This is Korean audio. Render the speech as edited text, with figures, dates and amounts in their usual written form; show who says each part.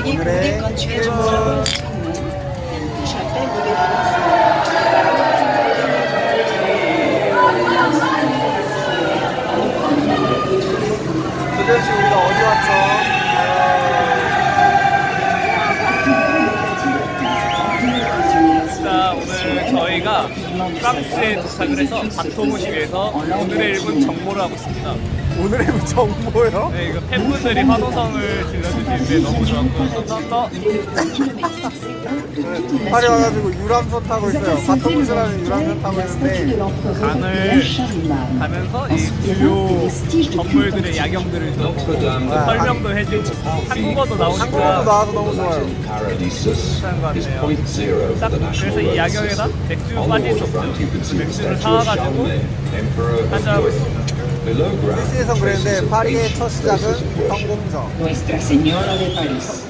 Speaker 1: 오늘의 1번 도대체 우리가 어디 왔죠?
Speaker 2: 자, 오늘 저희가 프랑스에 도착을 해서 바토무시에서 오늘의 1분 정모를 하고 있습니다.
Speaker 1: 오늘의 정보요?
Speaker 2: 네, 이거 팬분들이 환호성을 질러주시는데 너무 좋았고요. 더
Speaker 1: 팔이 와가지고 유람선 타고 있어요. 바토무스라는 유람선 타고 있는데
Speaker 2: 강을 가면서 이 주요 건물들의 야경들을 좀 설명도 해주고 한국어도 나오니까
Speaker 1: 한국어도 나와서 너무 좋아요.
Speaker 2: 괜찮은 것 같네요. 딱 그래서 이 야경에다 맥주 빠질 수 없죠. 맥주를 사와가지고 한잔하고 있습니다.
Speaker 1: 스위스에선 그랬는데 파리의 첫 시작은 성공적.
Speaker 3: Nuestra Señora de París.